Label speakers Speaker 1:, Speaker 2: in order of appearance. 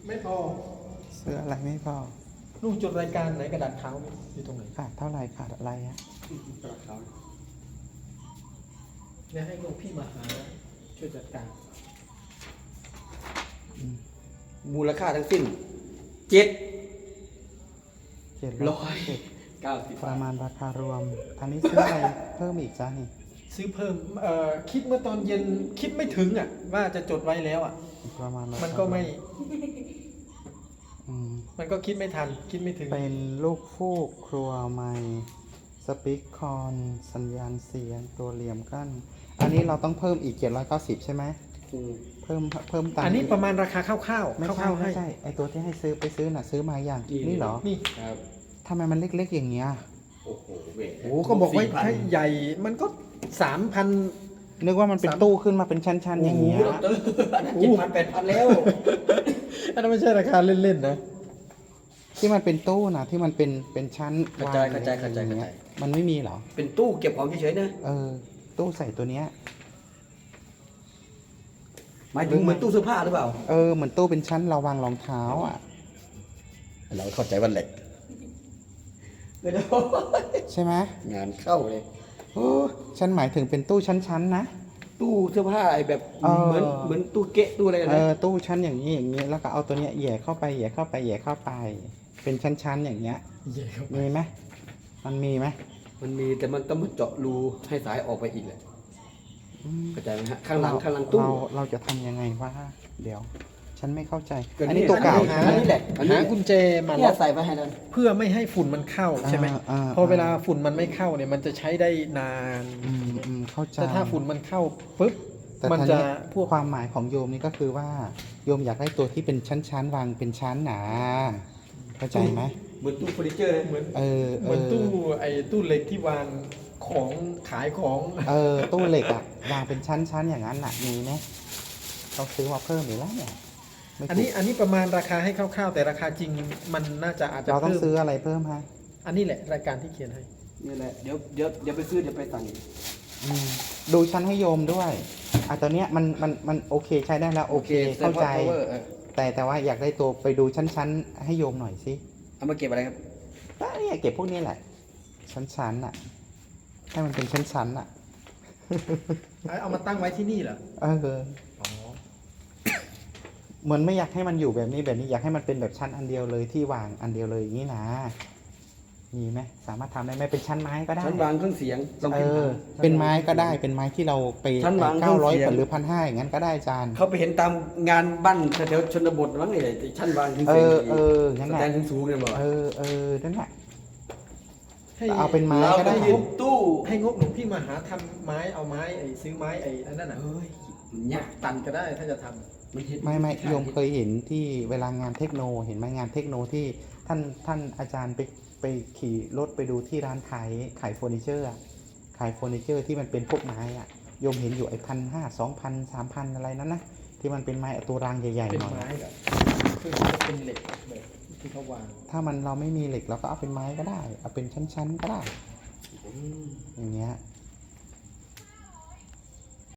Speaker 1: ไม่พอ
Speaker 2: ซื้ออะไรไม่พอ
Speaker 1: ลูกจดรายการไหนกระดาษขาวอยู่ตรงไหน
Speaker 2: ขาดเท่าไหร่ขาดอะไรอะ
Speaker 1: เนี่ยให้ลูกพี่มาหาช่วยจัดการ
Speaker 3: มูลค่าทั้งสิ้นเจ็ด
Speaker 2: 790
Speaker 3: 90
Speaker 2: ประมาณราคารวม อันนี้ซื้ออะไรเพิ่มอีกจ้านี่
Speaker 1: ซื้อเพิ่มคิดเมื่อตอนเย็นคิดไม่ถึงอ่ะว่าจะจดไว้แล้วอ่ะ
Speaker 2: ประมาณราคา
Speaker 1: มันก็ไม่
Speaker 2: อืม
Speaker 1: มันก็คิดไม่ทันคิดไม่ถึง
Speaker 2: เป็นลูกฟูกครัวไม้สปีกคอนสัญญาณเสียงตัวเหลี่ยมกั้น อันนี้เราต้องเพิ่มอีก790ใช่ไหมเพิ่มตังค์
Speaker 1: อันนี้ประมาณราคาคร่าวๆ
Speaker 2: ไม่
Speaker 1: ค
Speaker 2: ใช่
Speaker 1: ร่าวๆให้
Speaker 2: ไม่ใช่ไอตัวที่ให้ซื้อไปซื้อน่ะซื้อมาอย่างนี่เหรอ
Speaker 1: นี่
Speaker 3: ครับ
Speaker 2: ทำไมมันเล็กๆอย่างเงี้ย
Speaker 3: โอ้โหเว้ย
Speaker 1: โอ้ก็บอกว่าให้ใหญ่มันก็ 3,000
Speaker 2: นึกว่ามันเป็นตู้ขึ้นมาเป็นชั้นๆอย่างเงี้ย
Speaker 3: โอ้โหดรอันนั้น7,000 8,000แล้ว
Speaker 1: อันนั้นไม่ใช่ราคาเล่นๆนะ
Speaker 2: ที่มันเป็นตู้นะที่มันเป็นชั้น
Speaker 3: เข้าใจ
Speaker 2: วาง
Speaker 3: เข้าใจเข้าใจ
Speaker 2: อย่างเงี้ยมันไม่มีเหรอ
Speaker 3: เป็นตู้เก็บของเฉยๆนะ
Speaker 2: ตู้ใส่ตัวเนี้ย
Speaker 3: หมายถึงเหมือนตู้เสื้อผ้าหรือเปล่า
Speaker 2: เหมือนตู้เป็นชั้นเราวางรองเท้าอ่ะ
Speaker 3: เราเข้าใจว่าเหล็กเดี๋ยว
Speaker 2: ใช่ไหม
Speaker 3: งานเข้าเลย
Speaker 2: ฉันหมายถึงเป็นตู้ชั้นๆนะ
Speaker 3: ตู้เสื้อผ้าไอ้แบบ
Speaker 2: เออ
Speaker 3: เหมือนตู้เกะตู้อะไรนะ
Speaker 2: ตู้ชั้นอย่างนี้อย่างนี้แล้วก็เอาตัวเนี้ยแหย่เข้าไปแหย่เข้าไปแหย่เข้าไป เป็นชั้นๆอย่างเงี้ย
Speaker 1: เย่ครับ
Speaker 2: มีไหมมันมีไหม
Speaker 3: มันมีแต่มันต้องมาเจาะรูให้สายออกไปอีกแหละเข้าใจไหมฮะข้างหลังตู้
Speaker 2: เราจะทำยังไงวะเดี๋ยว ฉันไม่เข้าใจ
Speaker 3: ก็นี่
Speaker 2: อันนี้ตัวเก่า
Speaker 1: หา
Speaker 2: ใช่ไหม
Speaker 3: อันนี้แหละ
Speaker 1: หากุญแจมา
Speaker 3: เนี่
Speaker 1: ล็
Speaker 3: ย
Speaker 1: อก
Speaker 3: ใส่ไปให้นั่น
Speaker 1: เพื่อไม่ให้ฝุ่นมันเข้าใช่ไหม พอเวลาฝุ่นมันไม่เข้าเนี่ยมันจะใช้ได้นาน
Speaker 2: เข้าใจ
Speaker 1: แต่ถ้าฝุ่นมันเข้าปุ๊บ
Speaker 2: แต่
Speaker 1: มัน
Speaker 2: ที
Speaker 1: จะ
Speaker 2: นี้
Speaker 1: พวก
Speaker 2: ความหมายของโยมนี่ก็คือว่าโยมอยากได้ตัวที่เป็นชั้นๆวางเป็นชั้นหนาเข้าใจไหม
Speaker 3: เหมือนตู้เฟอร์นิเจอร์เลย
Speaker 1: เหมือน
Speaker 2: เห
Speaker 1: มือนตู้เหล็กที่วางของขายของ
Speaker 2: ตู้เหล็กอะวางเป็นชั้นๆอย่างนั้นน่ะมีไหมต้องซื้อมาเพิ่มอีกแล้วเนี่ยไม่ถูก
Speaker 1: อันนี้ประมาณราคาให้คร่าวๆแต่ราคาจริงมันน่าจะอาจจะ
Speaker 2: เราต้อง
Speaker 1: เพิ่ม
Speaker 2: ซื้ออะไรเพิ่มฮะ
Speaker 1: อันนี้แหละรายการที่เขียนให้
Speaker 3: นี่แหละเดี๋ยวไปซื้อเดี๋ยวไปสั่ง
Speaker 2: ดูชั้นให้โยมด้วยตัวเนี้ยมันโอเคใช้ได้แล้วโอเคเข้าใจ แต่ว่าอยากได้ตัวไปดูชั้นๆให้โยมหน่อยสิ
Speaker 3: เอามาเก็บอะไรครับ
Speaker 2: เนี่ยเก็บพวกนี้แหละ ชั้นๆน่ะให้มันเป็นชั้นๆน่ะ
Speaker 1: เอามาตั้งไว้ที่นี่เหรอ อ๋อ
Speaker 2: เหมือนไม่อยากให้มันอยู่แบบนี้อยากให้มันเป็นแบบชั้นอันเดียวเลยที่วางอันเดียวเลยอย่างนี้นะมีไหมสามารถทำได้ไหมเป็นชั้นไม้ก็ได้
Speaker 3: ชั้นวางเครื่องเสียงลองพิมพ์หา
Speaker 2: เป็นไม้ก็ได้เป็นไม้ที่เราไป
Speaker 3: ชั้นวางเครื่องเสียง
Speaker 2: 900หรือ1,500อย่างนั้นก็ได้อาจารย์
Speaker 3: เขาไปเห็นตามงานบ้านแถวๆชนบทมั้งเนี่ยชั้นวางเครื่องเสียง
Speaker 2: งั้น
Speaker 3: ส
Speaker 2: แห
Speaker 3: แต
Speaker 2: ละ
Speaker 3: นสูงๆเนี่ยบอก
Speaker 2: นั่นแหละ
Speaker 1: ให้
Speaker 2: เอาเป็นไม้
Speaker 3: เรา
Speaker 2: ก็
Speaker 3: ไป
Speaker 2: ได้
Speaker 3: ยืนตู้
Speaker 1: ให้งบหลวงพี่มาหาทำไม้เอาไม้ซื้อไม้อันนั้นน่ะ
Speaker 3: เฮ้ยมันยาก
Speaker 1: ตันก็ได้ถ้าจะทำ
Speaker 3: มันเห็น
Speaker 2: ไม่โยมเคยเห็นที่เวลางานเทคโนเห็นไหมงานเทคโนที่ท่านอาจารย์ไปขี่รถไปดูที่ร้านขายเฟอร์นิเจอร์อะขายเฟอร์นิเจอร์ที่มันเป็นพวกไม้อะโยมเห็นอยู่1,500 2,000 3,000อะไรนั้นนะที่มันเป็นไม้ตัวรางใหญ่
Speaker 1: เป็
Speaker 2: ๆ
Speaker 1: น
Speaker 2: หน่อย
Speaker 1: ไม้เหรอคือจะเป็นเหล็กแบบที่เขาวาง
Speaker 2: ถ้าเราไม่มีเหล็กเราก็เอาเป็นไม้ก็ได้เอาเป็นชั้นๆก็ได้อย่างเงี้ย